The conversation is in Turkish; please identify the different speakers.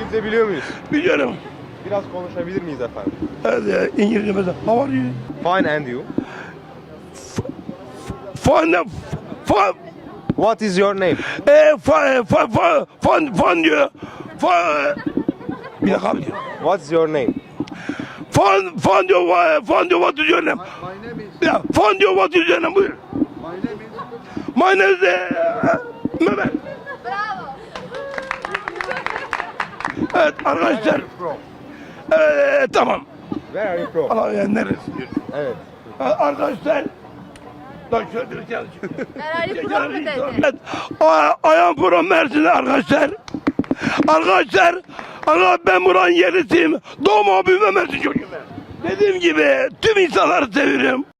Speaker 1: İngilizce biliyor muyuz?
Speaker 2: Biliyorum.
Speaker 1: Biraz konuşabilir miyiz efendim?
Speaker 2: Evet, İngilizce mesela. How are you?
Speaker 1: Fine and you?
Speaker 2: Fun, fun,
Speaker 1: What is your name?
Speaker 2: fun diyor. Bir dakika abi diyor.
Speaker 1: What's your name?
Speaker 2: Fun diyor, what is your name?
Speaker 3: My name is.
Speaker 2: Ya, fun diyor, what is your name? Buyur.
Speaker 3: My name is.
Speaker 2: My name is Mehmet.
Speaker 4: Bravo.
Speaker 2: Evet arkadaşlar.
Speaker 1: From.
Speaker 2: Tamam.
Speaker 1: Where are you from?
Speaker 2: Allah ya neresi diyor.
Speaker 1: Evet.
Speaker 2: Arkadaşlar. Lan şöyle bir şey
Speaker 4: Ferrari Pro mu dedi?
Speaker 2: Evet. I am from Mersin arkadaşlar. Arkadaşlar ben buranın yerlisiyim. Doğma büyüme Mersin çocuğum. Dediğim gibi tüm insanları seviyorum.